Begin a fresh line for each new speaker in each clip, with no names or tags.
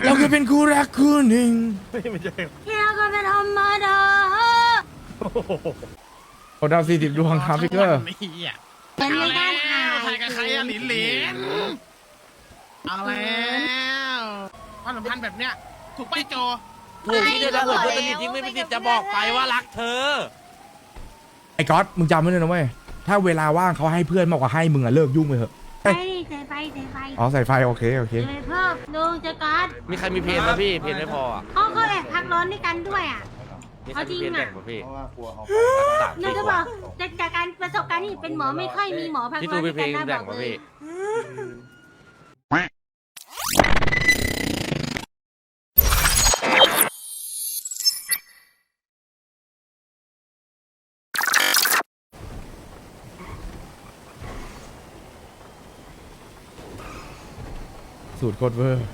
เราเคยเป็นคู่รักคู่หนึ่ง
ไม่ใช่
ที่เราก็เป็นธรรมดา
โอ้ดาว40ดวงครับพี่เกอร์
เป็นในการถ่าย
ใครกับใครอะหลินหลินเอาแล้วความสัมพันธ์แบบเนี้ยถูกไปโจ
ถูกที่เธอจะเหินเพื่อนสนิทยิ่งไม่มีสิทธิ์จะบอกไปว่ารักเธอ
ไอ้ก๊อตมึงจำไว้เลยนะเว้ยถ้าเวลาว่างเขาให้เพื่อนมากกว่าให้มึงอะเลิกยุ่งไปเถอะ
ไปดิใส่ไฟใส่ไฟ
อ๋อใส่ไฟโอเคโอเค
เลยเพิ่มลุงจะกัด
มีใครมีเพลงไหมพี่ เพลงไม่พออ่ะ
เขาก็แอบพักร้อนด้วยกันด้วยอ่ะ
มีใครมีเพลงแบ่งป่ะพี่สาม
หนูจะบอกจากการประสบการณ์ที่เป็นหมอไม่ค่อยมีหมอพัก
พี่
ร้
ตู
อน
มี
ด้วย
เพล
กัน
ง
นะ
แบ่ง
บอก
ป่ะ
เล
พี่
ย
สูตรโคตรเวอร์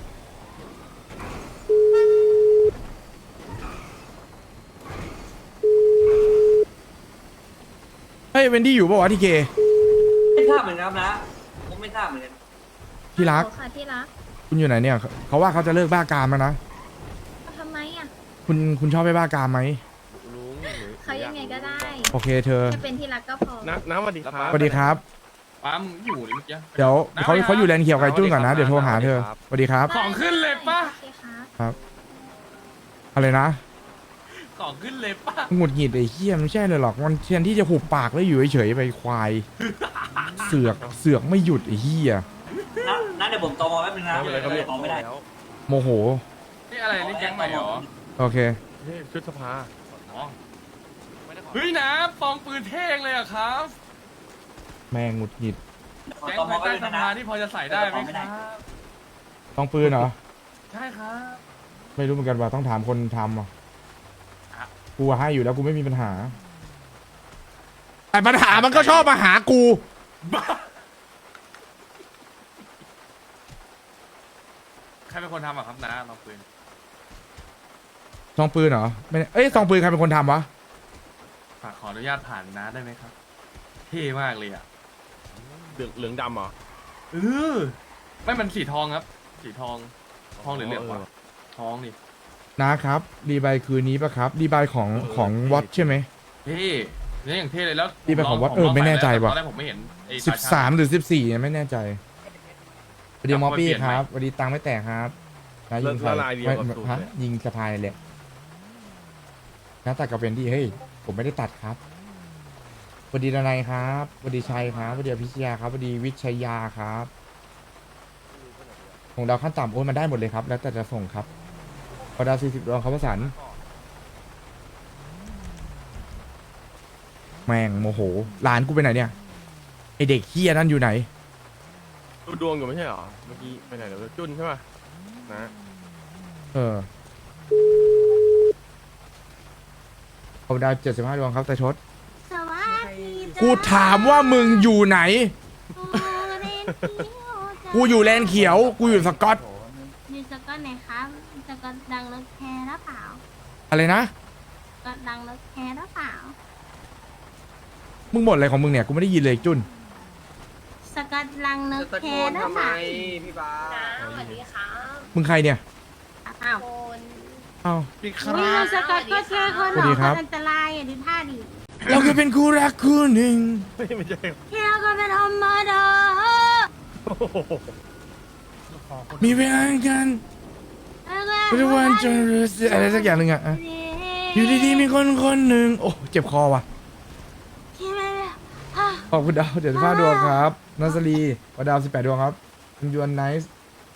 เฮ้ยเวนดี้อยู่ป่าวะทีเค
ไม่ทราบเหมือนกันครับนะผมไม่ทราบเหมือนกัน
ที่รัก
ค่ะที่รัก
คุณอยู่ไหนเนี่ยเขาว่าเขาจะเลิกบ้ากามแล้วนะ
ทำไมอ่ะ
คุณชอบไปบ้ากามไหม
ลุง
เขายังไงก็ได้
โอเคเธอ
แค่เป็นที่รักก็พอ
น้ำสวัสดีครับ
สวัสดีครับ
ปั๊มอยู่นี่เมื่อกี้
เดี๋ยวเขาอยู่แลนด์เขียวไก่จุ้นก่อนนะเดี๋ยวโทรหาเธอสวัสดีครับ
ของขึ้นเลยปะ
โอเคครับ
อะไรนะ
ของขึ้นเลยปะ
หงุดหงิดไอ้เหี้ยไม่ใช่เลยหรอกมันแทนที่จะหุบปากแล้วอยู่เฉยๆไปควาย เสือกไม่หยุดไอ้เหี้ย
นะเดี๋ยวผมตอมอแป๊บนึงนะตอมไม่ได้
โมโห
นี่อะไรนี่แก๊งใหม่เหรอ
โอเค
นี่ชุดสภา
อ๋อเฮ้ยนะฟองปืนเท่งเลยอะครับ
แม่งหงุดหงิด
แก๊ง
ตอมอ
ภาย
แป๊บ
ใต้
นึง
ส
นะ
ภาที่พอจะใส่ได้ไหมครับ
ต้องปืนเหรอ
ใช่ครับ
ไม่รู้เหมือนกันว่าต้องถามคนทำอ่ะกูให้อยู่แล้วกูไม่มีปัญหาแต่ปัญหามันก็ชอบมาหากู
ใครเป็นคนทำอะครับนะลองปืน
ซองปืนเหรอไม่เอ้ยซองปืนใครเป็นคนทำวะ
ฝากขออนุญาตผ่านนะได้ไหมครับ เท่มากเลยอะ
เหลืองดำเหรอ
เออไม่มันสีทองครับ สีทองทองหรือเหลืองวะทองนี่
นะครับรีบายคืนนี้ปะครับรีบายของวัดใช่ไหม
เท่เนี่ยอย่างเท่เลยแล้ว
นี่เป็นของวัด
ผมล
ไม่แน่ใจ
ใส่แล้ว
ว่ะ
ตอนแรกผมไม่เห็นไอ้
13 หรือ 14ไม่แน่ใจสวัสดีมอปปี้
เปลี่ยน
ค
ไหม
รับสวัสดีตังไม่แตกครับนะยิงใคร
ละลายเดียวกับสูตร
ฮะ
เลย
ยิงสะพายเลยนะตัดกับเวนดี้เฮ้ยผมไม่ได้ตัดครับสวัสดีดนัยครับสวัสดีชัยครับสวัสดีอภิชยาครับสวัสดีวิชยาครับของดาวขั้นต่ำโอ้ยมันได้หมดเลยครับ แล้วแต่จะส่งครับพอดาว40ดวงครับประสานแม่งโมโหหลานกูไปไหนเนี่ยไอเด็กเฮียนั่นอยู่ไหน
ดูดวงอยู่ไม่ใช่เหรอ เมื่อกี้ไปไหนเดี๋ยวจุนใช่ป่ะนะ
เออผมดาว75ดวงครับแต่ชด
สวัสดีจ้า
กูถามว่ามึงอยู่ไหน กูอยู่แลนด์เขียว กูอยู่สกอต
อยู่สกอตไหนครับสกอตดังรถแคร์หรือเปล่า
อะไรนะ
สกอตดังรถแคร์หรือเปล่า
มึงบ่นอะไรของมึงเนี่ย กูไม่ได้ยินเลยจุน
สกอตดังรถแคร์หรือเปล่า
สวัสดีค่ะ
มึงใครเนี่ย
อ้าว
คน
อ้าว
พี่ค
อุ้ย
รับ
สกอตก็แค่คน
สวัสดีครับ
อันตรายอ่ะดูท่าดิ
เราเคยเป็นคู่รักคู่หนึ่ง
ไม่ใช่
ที่เราก็เป็นธรรมดา
มีเวลากันทุกวันจนรู้สึกอะไรสักอย่างหนึ่งอะอะอยู่ดีๆมีคนคนหนึ่งโอ้เจ็บคอว่ะ
ที่ไม่อ่ะ
ขอบคุณดาว75ดวงครับนัสรีวดาว18ดวงครับคุณยวนไนซ์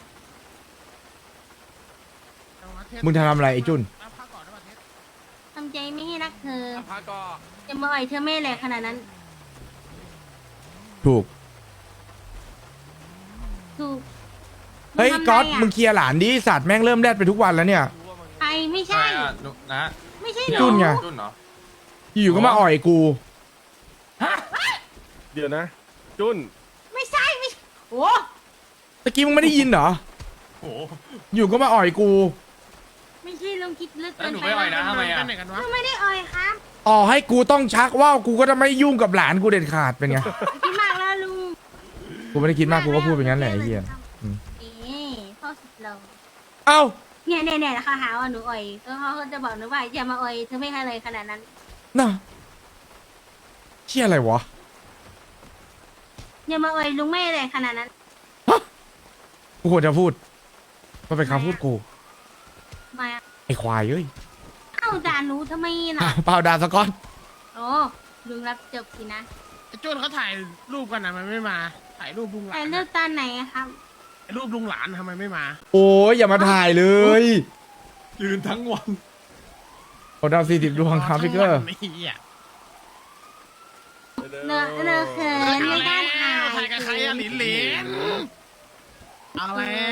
มึงจะทำอะไรไอ้จุน
ทำใจไม่ให้รักเธอ
พักก็
จะมาอ่อยเธอไม่แหลกขนาดนั้น
ถูก
ถูก
เฮ้ย
ทำไ
ก๊อต
ะ
มึงเคลียร์หลานดิสัตว์แม่งเริ่มแรดไปทุกวันแล้วเนี่ย
ใครไม่
ใช่
ใช่
อะนะ
ไม่ใช่
จุนไง
จุนเหรอ
อยู่ๆก็มาอ่อยกู
เดี๋ยวนะ จุน
ไม่ใช่ไม่ใช่โอ้
ตะกี้มึงไม่ได้ยินเหรอ
โอ้โห
อยู่ก็มาอ่อยกู
ไม่ใช่ลงคิดลึก
แล้ว
เกิน
หนู
ไป
ไม่อ่อยนะทำไมอะ
หนูไม่ได้อ่อยครับ
อ๋อให้กูต้องชักว่าวกูก็จะไม่ยุ่งกับหลานกูเด็ดขาดเป็นไง
คิดมากแล้วลุง
กูไม่ได้คิดมากกูก็พูดเป็นงั้นแหละไอ้เหี้ย อืม
นี่พ่อสุดเรา
เอ้า
เนี่ยเขาหาว่าหนูอ่อยก็เขาจะบอกหนูว่าอย่ามาอ่อยเธอไม่ให้เลยขนาดนั้น
น่ะเชี่ยอะไรวะ
อย่ามาอ่อยลุงไม่เลยขนาดนั้น
กูควรจะพูดมันเป็นคำพูดกู
มา
ไอ้ควายเอ้ย
เอ้าด่าหนูทำไมน่ะ
เปล่าด่าสกอต
โอ้ลุงรับจบสินะ
ไอ้โจ้เขาถ่ายรูปกันนะมันไม่มา ถ่ายรูปลุงหลา
แต่
น
เลือกตอนไหนอะครับ
ถ่ายรูปลุงหลานทำไมไม่มา
โอ้ยอย่ามาถ่ายเลย
ยืนทั้งวัน
โอ้ดาว40ดวงครับพี่เกอร์
ทั้งวันนี่อ่ะ
เลือกเขินไม่กล้าถ่าย
ถ่ายกับใครอะหลินหลินเอาแล้ว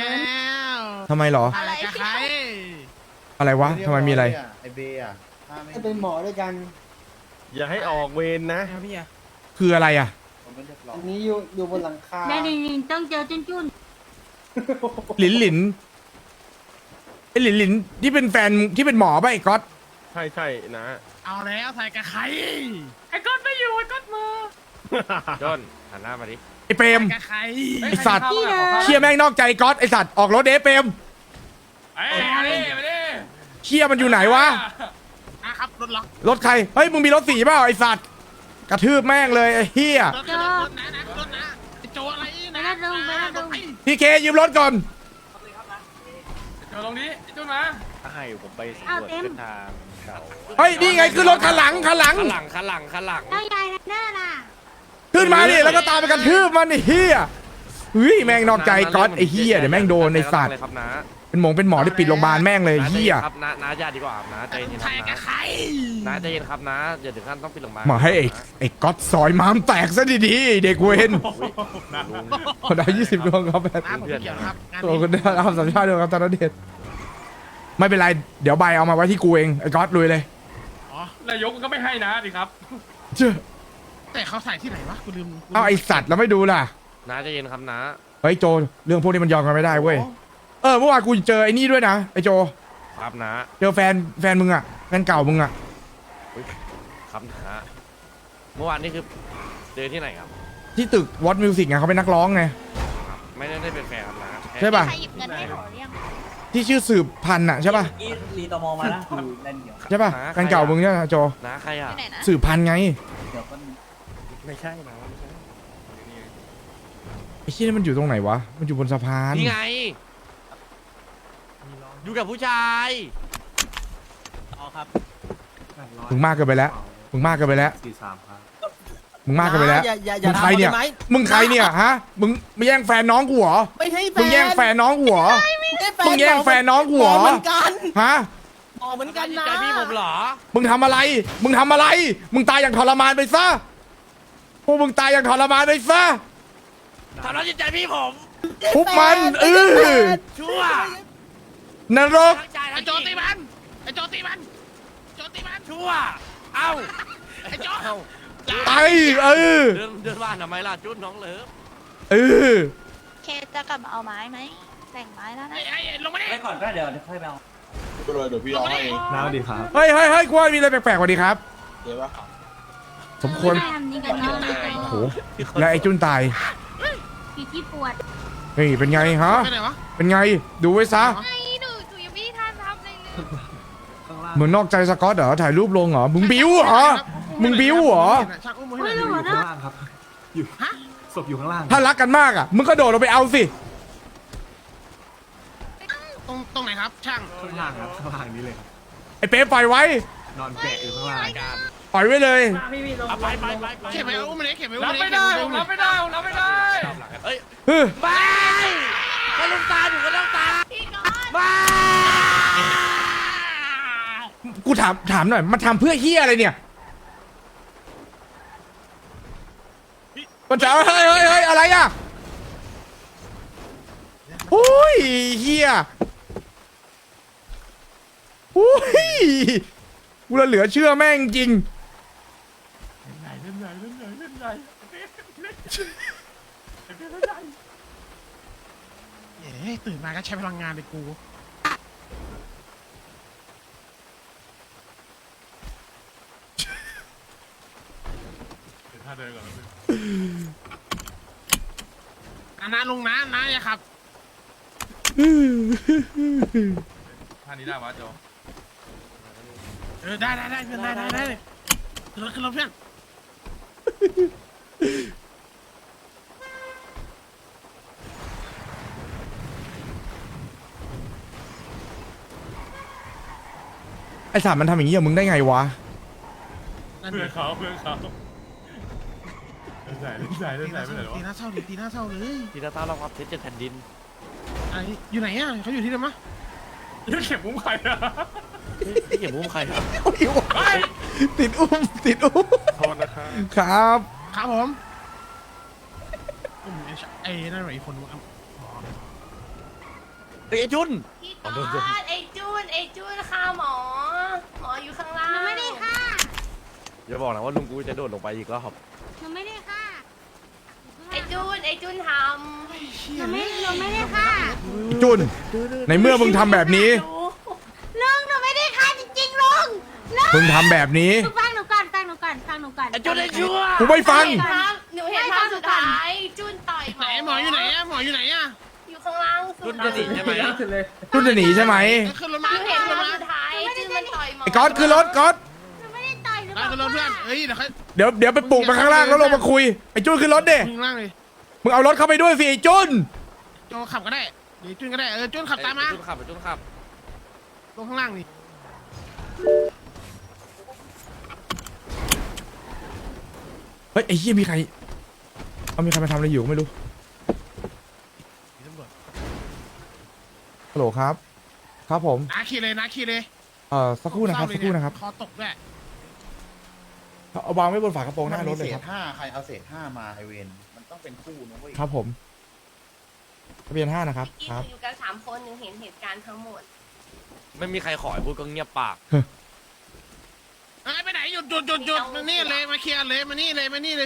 ทำไมเหรอ
ถ่ายกับใคร
อะไรวะทำไมมีอะไร
ไอเบย์อ่ะ
ให้เป็นหมอด้วยกัน
อย่าให้ออกเวรนะ
คืออะไรอ่ะ
ผมไม่เรียบร้อย
อันนี้อยู่บนหลังคา
แม่ลินต้องเจอจุน
หลินหลินไอ้หลินหลินที่เป็นแฟนที่เป็นหมอป่ะไอ้ก๊อต
ใช่ใช่นะ
เอาแล้วถ่ายกับใครไอ้ก๊อตไม่อยู่ไอ้ก๊อตมือ
จนหันหน้ามาดิ
ไอ้เปรม
ถ่ายกับใคร
ไอ้สัตว์เชี่ยแม่งนอกใจก๊อตไอ้สัตว์ออกรถเด้เปรม
เอ้ยมาดิมาดิ
เชี่ยมันอยู่ไหนวะ
นะครับรถล็อก
รถใครเฮ้ยมึงมีรถสีเปล่าไอ้สัตว์กระทืบแม่งเลยไอ้เฮีย
รถนะรถนะไอ้โจอะไร
ๆไป
นะ
แล้วลุงไปแล้วลุง
พี่เคยืมรถก่อน
เดี๋ยวตรงนี้ไอ้จุนมา
ให้ผมไปสำ
เอา
รวจ
เต็ม
เส้นทางเก่า
เฮ้ยนี่ไงขึ้นรถคันหลัง
ข้างหลัง
แล้วยายทันเนอร์ล่ะ
ขึ้นมาดิแล้วก็ตามไปกระทืบมันไอ้เฮียเฮ้ยแม่งนอกใจก๊อตไอ้เฮียเดี๋ยวแม่งโดนไอ้สัตว์
เลยครับนะ
เป็นหมอที่ปิดโรงพยาบาลแม่งเลยเฮีย
ครับน้าญาติดีกว่าครับน้าใจเย็นค
ถ่าย
รับ
กับใคร
น้าใจเย็นครับน้าอย่าถึงขั้นต้องปิดโรงพยาบาล
มาให้ไอ้ก๊อตซอยม้ามแตกซะดีๆเด็กเวนคนได้20ดวงครับแม่
น้าผมไม่เกี่ยวนะครับงาน
ตัว
นี้
คนได้รับสัญชาติเดียวครับตอนนั้นเด็ดไม่เป็นไรเดี๋ยวใบเอามาไว้ที่กูเองไอ้ก๊อตลุยเลย
อ๋อน
ายกมันก็ไม่ให้นะดิครับ
เจ้า
แต่เขาใส่ที่ไหนวะกูลืม
เอาไอสัตว์แล้วไม่ดูล่ะ
น้าใจเย็นครับน้า
เฮ้ยโจเรื่องพวกนี้มันยอมกันไม่ได้เว้ยเมื่อวานกูเจอไอ้นี่ด้วยนะไอโจ
ครับน้า
เจอแฟนมึงอะแฟนเก่ามึงอะ
ครับน้าเมื่อวานนี่คือเจอที่ไหนครับ
ที่ตึกวอตมิวสิกไงเขาเป็นนักร้องไง
ไม่ได้เป็นแฟนครับน้าแค่
ใช่ป่ะ
ใครหยิบเงินให้หนูหรือยัง
ที่ชื่อสืบพันธุ์อะใช่ป่ะ
อีรีตอมอมานะดูเล่นเดี๋ยว
ใช่ป่ะแฟนเก่ามึงใช่ไหมโจ
น้าใครอ่ะ
ที่ไหนนะ
สืบพันธุ์ไง
เดี๋ยวก็
ไม่ใช่นะไม่ใช่
ไอ้ที่นี่มันอยู่ตรงไหนวะมันอยู่บนสะพาน
นี่ไงอยู่กับผู้ชาย
มึงมากเกินไปแล้วมึงมากเกินไปแล้ว
43ครับ
มึงมากเกินไปแล้ว
อย่า
มึงใครเนี่ย
ทำได้ไหม
มึงใครเนี่ยฮะมึงไม่แย่งแฟนน้องกูเหรอ
ไม่ใช่แฟน
มึงแย่งแฟนน้องกูเหรอ
ไม่ใช่
มึงแย่งแฟนน้องกูเหรอ
เหมือนกัน
ฮะ
หมอเหมือนกันนะ
ใจพี่ผมเหรอ
มึงทำอะไร มึงทำอะไร มึงตายอย่างทรมานไปซะ พวกมึงตายอย่างทรมานไปซะ
ทำร้ายจิตใจพี่ผม
ทุบมัน
ชั่วน
รก
ทั้งใจ
ไอ้
ทั้ง
โจตีมันไอ้โจตีมันโจตีมัน
ชั่วเอ้า
ไอ้โจ
เอ้า
ไป
เดินบ้านทำไมล่ะจุดน้องเลิฟ
เคจะกลับมาเอาไม้ไหมแต่งไม้แล้วนะ
ไอ้ลงมาดิ
ไปก่อนก็เดี๋ยวค่อยไปเอา
ก็เลยเดี๋ยวพี่เอาให้เองน้าดีครับ
เฮ้ยกูว่ามีอะไรแปลกๆกว่านี้ครับ
เดี๋ยวว่า
สมควร
ไทำนี่กันเนาะ
โอ้โห และไอ้จุนตาย
พี่ที่ปวด
เฮ้ย เป็นไงฮะ
ไปไหนวะ
เป็นไง ดูไว้ซะ
ไอ้หนูยังไม่ได้ทันทำเลยเลย
เหมือนนอกใจสกอตเหรอ ถ่ายรูปลงเหรอ มึงบิ้วเหรอ มึงบิ้วเหรอ
ช่างอุ้มมือให้
ไม่
หน่
รู้
อย
เหรอเนาะ
ล่างครับ อยู่ศพอยู่ข้างล่าง
ถ้ารักกันมากอ่ะ มึงก็โดดลงไปเอาสิ
ตรงไหนครับ ช่าง
ข้างล่างครับข้างล่างนี้เลยครับ
ไอ้เป๊ปล่อยไว้
นอนแกะอยู่ข้างล่าง
ปล่อยไว้เลย
เอาไป
เข็บไปอุ้มมาเลยเข็บไปอุ้ม
รับ
มา
ไม่
เลย
ได้ผมรับไม่ได้ผมรับไม่ได้
เอ้ย
เฮ้ย
ไม่ก็ลุงตาอยู่ก็ต้องตา
พี่ก๊อต
ไม่
กูถามหน่อย มันทำเพื่อเฮียอะไรเนี่ย มันจะเฮ้ยอะไรอ่ะโอ้ยเฮียโอ้ยกูละเหลือเชื่อแม่งจริง
เฮ้ยตื่นมาก็ใช้พลังงานเลยกู
ถ้าเดินก่อน
นะลุงนะอย่าขับ
ท่านี้ได้ปะโจ
ได้เพื่อนได้ขึ้นรถเพื่อน
ไอสัตว์มันทำอย่างนี้กับมึงได้ไงวะ
นั่น
เพื่อนเขาเล่นสายไปไหนวะ
ตีหน้าเศร้าเลย
ทีละตาเราความเท็จแผ่นดิน
อยู่ไหนอ่ะเขาอยู่ที่เดิมมะ
นี่เข็มมุ้งใครอะ
พี่เก็บมุ้งใครครับ
ติดอุ้ม
โทษนะครับ
ครับ
ครับผมไอ้นั่นหน่อยอีกคนนึง
ไอ้จุน
พี่กอดไอ้จุนค่ะหมออยู่ข้างล่าง
หนูไม่ได้ค่ะ
อย่าบอกนะว่าลุงกูจะโดดลงไปอีกรอบ
หนูไม่ได้ค่ะ
ไอ้จุนท
หนูไม่ได้ค่ะ
จุน ในเมื่อมึงทำแบบนี้
ลุงหนูไม่ได้ค่ะจริงๆลุง
มึงทำแบบนี้
หนูฟังหนูก่อนฟังหนูก่อน
ไอ้จุนไอ้ชั่ว
กูไม่ฟัง
หนูเห็นภาพสุดท้ายจุนต่อย
ไหนหมออยู่ไหนอ่ะหมออยู่ไหนอ่ะ
อยู่ข้างล่างสุ
จุ
ด
นจะหนีใช่ไหม
จุนจะหนีใช่ไหม
ขึ้นรถมา
หนูเห็นภาพสุดท้ายจุนมันต่อยหมอ
ไอ้ก๊อตขึ้นรถก๊อต
หนูไม่ได้ต่อยหนู
ได้ขึ้นรถเพื่อนเอ้ยเดี๋ยวเขา
เดี๋ยวไปปลุกมาข้างล่างแล้วลงมาคุย ไอ้จุนขึ้นรถเด้
ข้างล่างเลย
มึงเอารถเข้าไปด้วยสิไอ้จุน
โจขับก็ได้เดี๋ยวจุนก็ได้จุนขับตามมา
จุนขับจุนขับ
ลงข้างล่างนี่
เฮ้ยไอ้เหี้ยมีใครมาทำอะไรอยู่ก็ไม่รู้
ตำรวจ
ฮัลโหลครับ ครับผม
นาคีเลย
สักครู่นะครับสักครู่นะครับ
คอตกด้วย
เอาวางไว้บนฝากระโปรงหน้ารถเลยครับ
ใครเอาเศษ5มาไอเวนมันต้องเป็นคู่นะเว้ย
ครับผมทะเบียน5นะครับ
ที่
ครับ
อยู่กัน3 คนหนูเห็นเหตุการณ์ทั้งหมด
ไม่มีใครขอให้พูดก็เงียบปาก
ไปไหนหยุดมานี่เลยมาเคลียร์เลยมานี่เลย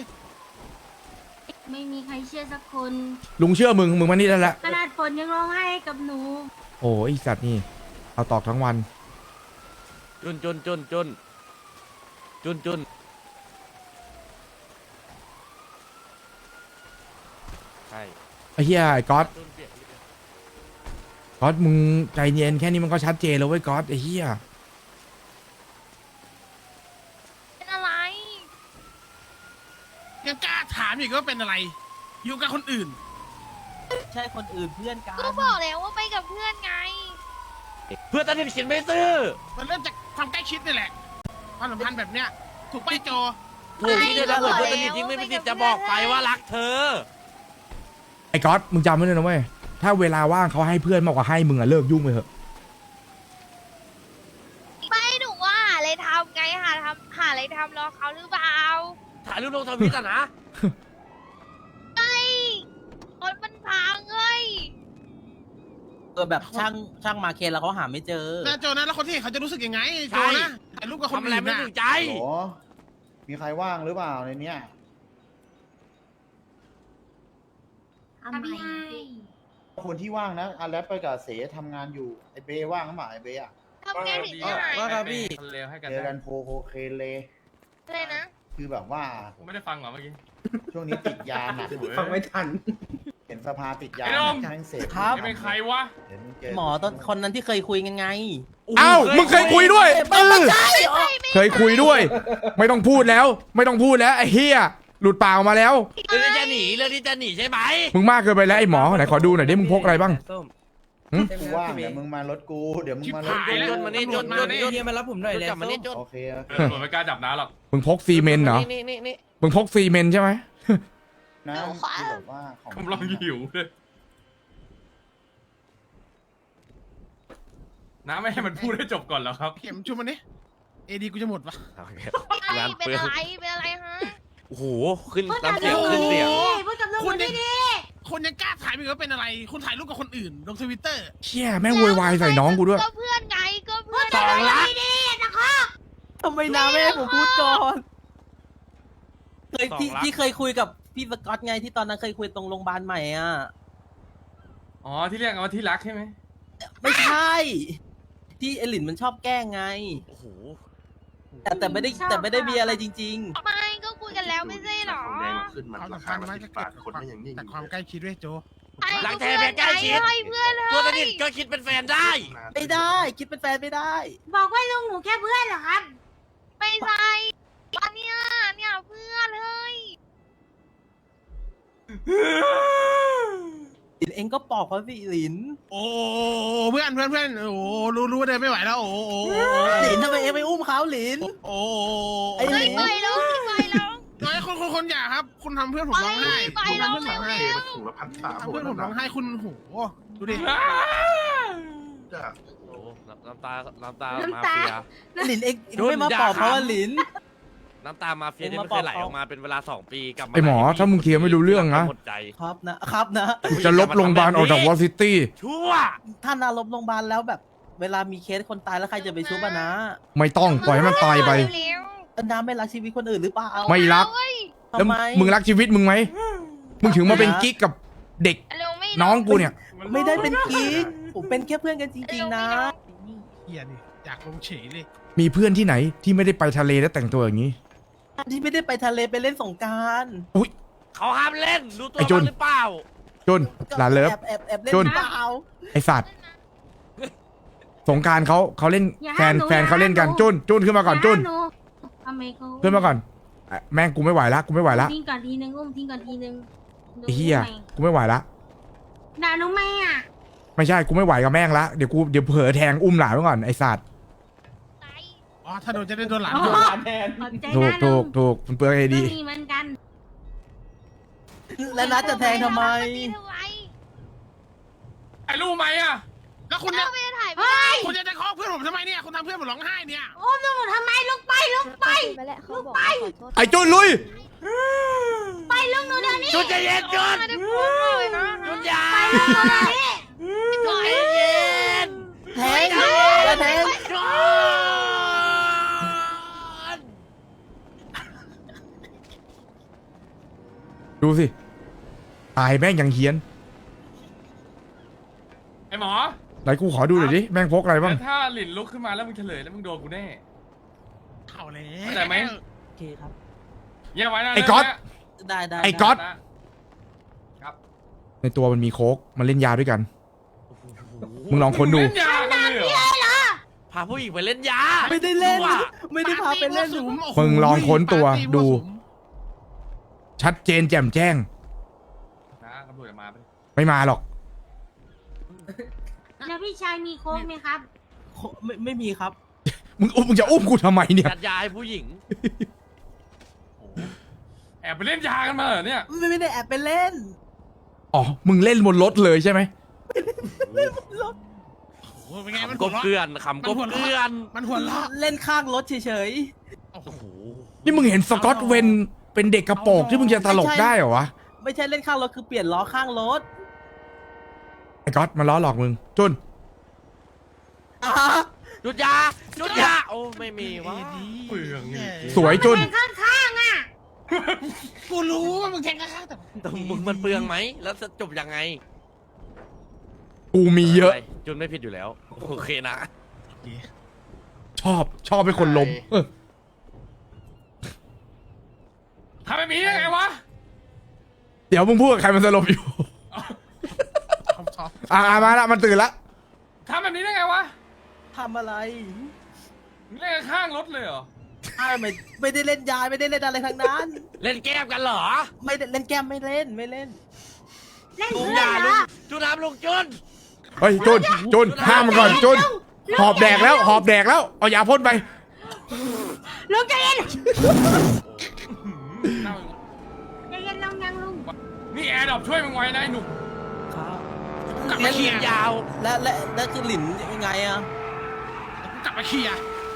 ไม่มีใครเชื่อสักคน
ลุงเชื่อมึงมานี่ได้แล้ว
ขนาดฝนยังร้องไห้กับหนู
โอ้ยสัตว์นี่ เอาตอกทั้งวัน
จุนใช่
ไอ้เหี้ยไอ้ก๊อต
จุนเปลี่ยน
ก๊อตมึงใจเย็นแค่นี้มันก็ชัดเจนแล้วเว้ยก๊อตไอ้เหี้ย
เป็นอะไร
ยังกล้าถามอีกว่าเป็นอะไร อยู่กับคนอื่น
ใช่คนอื่นเพื่อนกัน
ก็บอกแล้วว่าไปกับเพื่อนไง
เพื่อนตัดสินเขียนไม่ซื้อ
มันเริ่มจากความใกล้ชิดนี่แหละความสัมพันธ์แบบเนี้ยถูกไปโจ
ถูกที่จะถ้าเกิดเพื่อนสนิทจริงไม่มีสิทธิ์จะบอกไปว่ารักเธอ
ไอ้ก๊อตมึงจำไว้เลยนะเว้ยถ้าเวลาว่างเขาให้เพื่อนมากกว่าให้มึงอะเลิกยุ่งไปเถอะ
ไม่หนูว่าหาอะไรทำไงหาอะไรทำรอเขาหรือเปล่า
ถ่ายรูปลงทวิตอ่ะนะ
ไม่รถมันพังเฮ้ย
แบบช่างมาเคนแล้วเขาหาไม่เจอ
นะโจนะแล้วคนที่เห็นเขาจะรู้สึกยังไงโจนะถ่ายรูปกับคน
ทำอะไร
อื่น
ไม่
นะ
ถูกใจ
มีใครว่างหรือเปล่าในเนี้ย
ทำไม
คนที่ว่างนะอาแรปไปกับเสทำงานอยู่ไอเบว่างหรือเปล่าไอเบอะ
ทำงานผิดที่ไหน
ว่าครับพี่เลวให้กัน
เจอกันโคเคนเลย
อะไรนะ
คือแบบว่า
ผมไม่ได้ฟังเหรอเมื่อกี้
ช่วงนี้ติดยาหนัก
ฟังไม่ทัน
เห็นสภาติดยา
ไอ้ดม
แม่งเสพ
นี่เป็นใครวะ
เดี๋ยวมึงเจอ
หมอตอนคนนั้นที่เคยคุยกันไง
เอ้ามึงเคยคุยด้วยเคยคุยด้วย ไม่ต้องพูดแล้วไอ้เหี้ยหลุดปากออกมาแล้ว
เรื่องที่จะหนีใช่ไหม
มึงมากเกินไปแล้วไอ้หมอไหนขอดูหน่อยดิมึงพกอะไรบ้าง
กูว่างเดี๋ยวมึงมารถกูเดี๋ยวมึงมารถ
ชิบหายแล้ว
จนมานี่จน
เฮียมารับผมหน่อยเลย
จับมานี่จน
โอเค
ตำรวจไม่กล้าจับน้าหรอก
มึงพกซีเมนต์เหรอ
นี่
มึงพกซีเมนต์ใช่ไหม
นะคือแบบว่าของ
กำลังหิวเลยน้าไม่ให้มันพูดให้จบก่อนเหรอครับ
เข็มชุบมันนี่เอดีกูจะหมดปะ
งาน
เป็น
เปลือง
อะไรเป็นอะไรฮะ
โอ้โหขึ้น
พูดกับ
น้ำเสียง
ลุง
ขึ้นเสียง
พูดกับลุง
คุ
ค
ณ
น
ยัง
ดี
คนยังกล้าถ่ายอีกว่าเป็นอะไร คุณถ่ายรูปกับคนอื่นลงทวิตเตอร์
เชี่ยแม่งโวยวายใส่น้องกูด้วย
ก็เพื่อนไงก็เพื่อน
สองล้าน
ทำไมน้าไม่ให้ผมพูดก่อนเคยที่
2 ล้าน
ที่เคยคุยกับพี่สกอตไงที่ตอนนั้นเคยคุยตรงโรงพยาบาลใหม่อ่ะ
อ๋อที่เรียกกันว่าที่รักใช่ไหม
ไม่ใช่ ที่เอลินมันชอบแกล้งไง
โอ้โห
แต่ไม่ได้มีอะไรจริง
ไม่ก็คุยกันแล้วไม่ใช่หรอ
ความสัมพันธ์มันก็เกิดจากความใกล้ชิดด้วยโจ
รักแท้แพ้ใกล้ชิด
ให้เพื่อนเลย
ตัวสนิทก็คิดเป็นแฟนได้
ไม่ได้คิดเป็นแฟนไม่ได้
บอกว่าลุงหนูแค่เพื่อนเหรอครับ
ไม่ใช่อันเนี้ยเนี่ยเพื่อนเฮ้ย
หลินเองก็ปอกเขาสิหลิน
โอ้เพื่อนโอ้รู้เดินไม่ไหวแล้วโอ้
หลินทำไมเองไปอุ้มเขาหลิน
โอ้
ไอ้หลิน
ไปแล้วไปแล้ว
น้อยคนอย่าครับ คุณทำเพื่อนผมร้องไห้
ไป
คุณ
แล้ว
ทำเพื่อนผมร้องไห้
ถุงละ1,300
ทำเพื่อนผมร้องไห้คุณโหดูดิ
โอ้น้ำตามา
น้ำ
เฟี
ตา
ย
หลินเอง
หยุด
ไม่มาปอกเขาอะหลิน
น้ำตามาเฟียที่ไม่เคยไหลออกมาเป็นเวลา2 ปีกลับมา
ไอหมอถ้ามึงเคลียร์ไม่รู้เรื่องนะ
หมดใจ
ครับนะครับนะ
กูจะลบโรงพยาบาลออกจากวอซิตี้
ชั่ว
ท่านอารมณ์โรงพยาบาลแล้วแบบ เวลามีเคสคนตายแล้วใครจะไปชุบอะนะ
ไม่ต้องปล่อยให้มันตายไป
น้าไม่รักชีวิตคนอื่นหรือเปล่า
ไม่รัก แล้ว
ทำไม
มึงรักชีวิตมึงไหมมึงถึงมาเป็นกิ๊กกับเด็กน้องกูเนี่ย
ไม่ได้เป็นกิ๊กผมเป็นแค่เพื่อนกันจริงๆนะ
เฮียดิอยากลงเฉยเลย
มีเพื่อนที่ไหนที่ไม่ได้ไปทะเลแล้วแต่งตัวอย่างนี้
ที่ไม่ได้ไปทะเลไปเล่นสงกราร
อุ้ย
เขาห้ามเล่นรู้ตัว
ไอ้จุน
บ้างหรือเปล่า
จุนหลานเลิฟ
แอบเล่น
จุน
เปล่า
ไอสัตว์สงกรารเขาเล่น
อย่า
แฟ
ห้าม
น
หนู
แฟน
อย่า
เขาเล่นกัน
ห้ามหนู
จุนขึ้นมาก่อนจุน
หนูทำไมเขา
ขึ้นมาก่อนอ่ะแม่งกูไม่ไหวละกูไม่ไหวละ
ทิ้งก่อนทีนึงอุ้มทิ้งก่อนทีนึง
ไอ้เหี้ยกูไม่ไหวละ
ด่าหนูไหมอ่ะ
ไม่ใช่กูไม่ไหวกับแม่งละเดี๋ยวเผลอแทงอุ้มหลานไว้ก่อนไอสัตว์
อ๋อถ้าโดนจะได้โดนหลาน
อ๋อ
โดนหลาน
ขอบใจ
ถูก
นะ
ถู
ลุ
ก
ง
ถูกมันเปลืองไอ
ก็
ดี
มีเหมือนกัน
แล้วนัดจะแทงทำไม
ไอ้รู้ไหมอ่ะ
แล้วคุณเนี่ย
เฮ้ย
คุณจะเคาะเพื่อนผมทำไมเนี่ยคุณทำเพื่อนผมร้องไห้เนี่ย
อุ้มลุงหนูทำไมลุกไปลุกไป
ไปแหละเขาบอก
ไอจุนลุย
ไปลุงหนูเดี๋ยวนี้
จุนใจเย็นจุนจุนอยา
ไปลุงหนูเดี๋ยวนี้
จุนใจเย็น
แทงอย่าแทง
จุน
ดูสิตายแม่งยังเฮี้ยน
ไอ้หมอ
ไหนกูขอดูหน่อยดิแม่งพกอะไรบ้าง
แล้วถ้าหลินลุกขึ้นมาแล้วมึงเฉลยแล้วมึงโดนกูแน่
เข้าเลย
เข้าใจไหม
โอเคครับ
เยี่ยมไว้นะ
ไอ้ก๊อต
ได้ได้
ไอ้ก๊อต
ครับ
ในตัวมันมีโค้กมันเล่นยาด้วยกัน มึงลองค้นดู
เล่นยากันเลยเหรอ
พาผู้หญิงไปเล่นยา
ไม่ได้เล่น
ชั่ว
ไม่ได้พาไปเล่น
มึงลองค้นตัวดู ชัดเจนแจ่มแจ้ง
นะตำรวจจะมาปะ
ไม่มาหรอก
แล้วพี่ชายมีโค้กไหมครับ
ไม่มีครับ
มึงจะอุ้มกูทำไมเนี่ย
จัดยาให้ผู้หญิง
แอบไปเล่นยากันมาเหรอเนี่ย
ไม่ได้แอบไปเล่น
อ๋อมึงเล่นบนรถเลยใช่ไหม
โอ้เป็นไงมัน
ก
หัว
บ
เราะ
เกลื่อนขำกบเกลื่อน
มันหัวเราะ
เล่นข้างรถเฉย
โอ้โห
นี่มึงเห็นสกอตเวนเป็นเด็กกระโปรงที่มึงจะตลกได้เหรอวะ
ๆ ไม่ใช่เล่นข้างรถคือเปลี่ยนล้อข้างรถ
ไอ้ก๊อตมันล้อหลอกมึง จุน
จุดยาจุดยาโอ้ไม่มีวะ
เปลืองนี่
สวยจุน
แทงข้างๆอ่ะ
กูรู้ว่ามึงแทงข้างๆแต่
แต่มึงมันเปลืองไหมแล้วจะจบยังไง
กูมีเยอะ
ไรจุนไม่ผิดอยู่แล้วโอเคนะ
ชอบเป็นคนล้มเออ
ทำแบบนี้ได้ไงวะ
เดี๋ยวมึงพูดกับใครมันสลบอยู่
ชอบ
มาละมันตื่นละ
ทำแบบนี้ได้ไงวะ
ทำอะไร
มึงเล่นข้างรถเลยเหรอ
ไม่ได้เล่นยาไม่ได้เล่นอะไรทั้งนั้น
เล่นแก้มกันเหรอ
ไม่ได้เล่นแก้มไม่เล่น
เล่น
ลุง
เพื่
ยา
อนเหร
ลุง
อ
จุนน้ำลุงจุน
เฮ้ยจุนห้ามมันก่อนจุนหอบแดกแล้วหอบแดกแล้วเอายาพ่นไป
ลุงใจเย็น
เน่า
ใจเย็นลงยังลุง
นี่แอร์ดรอปช่วยมึงไว้นะไอ้หนุ่ม
ครับ
กลับ
เล่
มาน เคลี
เลี
ย
ย
ร์
ยาว
และคือหลินยังไงอะ
กลับมาเคลียร์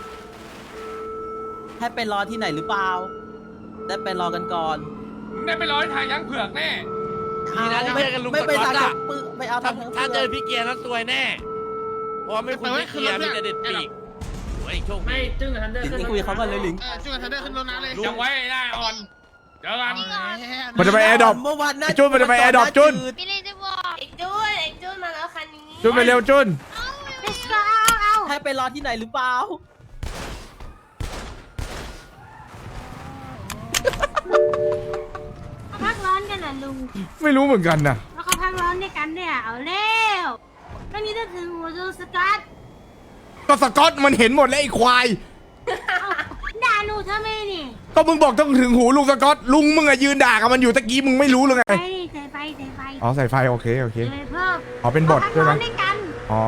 ให้ไปรอที่ไหนหรือเปล่า ได้ไปรอกันก่อน
มึงได้ไปร้อยทางยั้งเผือกแน่
ดีนะที่ไม่ได้กันลุง
ไม่
กับ
ไป
ก๊อต
ทาง
อะ
ปื้ไม่เอา
ถ้า
ทาง
ถ้าเจอพี่เกียร์นั้นซวยแน่ เพราะว่าไม่คุณพี่เกียร์มีแต่เด็ดปีกโอ้ยโชคดี
หลินคุยกับเขาก่อนเลยหลิน
ช่วยกันทันเดอร์ขึ้นรถน้ำเลย
ยังไว้ได้อ่อนเจอกัน
มันจะไปแอร์ดรอป
เมื่อวาน
ไอ้จุ้นมันจะไปแอร์ดรอปจุ้น
พี่เลยจะบอกไอ้จุนมาแล้วคันนี้
จุนไปเร็วจุน
let's go เอา
ให้ไปรอที่ไหนหรือเปล่า
เขาพักร้อนกันเหรอลุง
ไม่รู้เหมือนกันนะ
แล้วเขาพักร้อนอนด้วยกันเนี่ยเอาแล้วตอนนี้จะถึงหัวจูสกัด
ก็สกอตมันเห็นหมดแล้วไอ้ควาย
ด่าหนูทำไมนี่
ก็มึงบอกต้องถึงหูลุงสกอตลุงมึงอะยืนด่ากับมันอยู่ตะกี้มึงไม่รู้เลยไง
ไปดิใส่ไฟใส่ไฟ
อ๋อใส่ไฟโอเคโอเค
ใส่เพิ่ม
อ๋อเป็นบทใช่ไหม
พักร้อนด้วยกัน
อ๋อ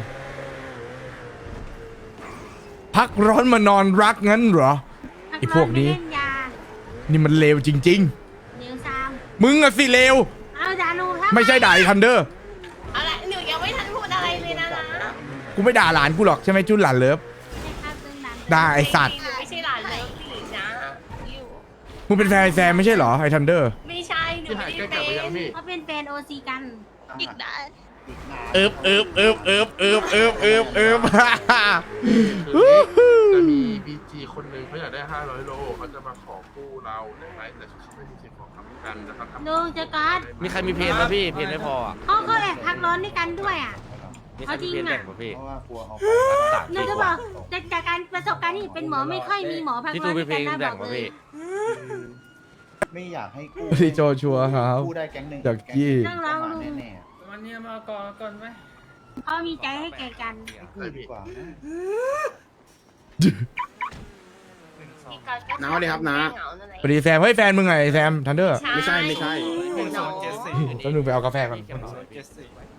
พักร้อนมานอนรักงั้นเหรอ ไอ้พวกนี้
พัร้อไม่เล่นยา
นี่มันเลวจริง
เดี๋ยวซาม
ๆ มึงอะสิเลว
เอาด่าหนูทำ
ไม่ใช่ด่าไอ้ทันเดอร์
อะไรหนูยังไม่ทันพูดอะไรเลยนะ
กูไม่ด่าหลานกูหรอกใช่ไหมจุนหลานเลิฟ
ใช่ครับตึงดัน
ด่าไอ้สัตว์
หนูไม่ใช่หลานเลยนะอยู่
มึงเป็นแฟนไอ้แซมไม่ใช่เหรอไอ้ทันเดอร์
ไม่ใช่หนูไม่ได้เป็น
เขาเป็นแฟนโอซีกัน
อีกนะ
อีกนาน
เอิบเอิบเอิบเอิบเอิบเอิบเอิบเอิบ
จะมีบีจีคนหนึ่งเขาอยากได้500 โลเขาจะมาขอกู้เราได้ไหมแต่เขาไม่มีสิทธิ์ขอคำกันนะครับ
ลุงจะกัด
มีใครมีเพลงไหมพี่เพลงไม่พออ่ะ
เขาก็แอบพักร้อนด้วยกันด้วยอ่ะ
มีใครมีเพลงแบ่งไหมพี่
เพราะว่ากลัวเอา
หนูจะบอกจากการประสบการณ์ที่เป็นหมอไม่ค่อยมีหมอพัก
พี่
ร้
ตู
อน
มี
ด้วย
เพล
กัน
ง
นะ
แบ่
บ
ง
อก
ไหม
เลย
พี่
ไม่อยากให้กู้
พี่โจชัวร์ครับ
กู้ได้แก๊งหนึ่ง
จากกี้
แก๊งหนึ่งเข้ามาแน่
วันนี้มาก่อนไหม
เขามีใจให้แก่กัน
ๆกู้ดีกว่านะ
น้าสวัสดีครับน้า
สวัสดีแซมเฮ้ยแฟนมึงไงแซมทันเดอร์
ไม่ใช่
แป๊บนึงไปเอากาแฟก่อน
พี่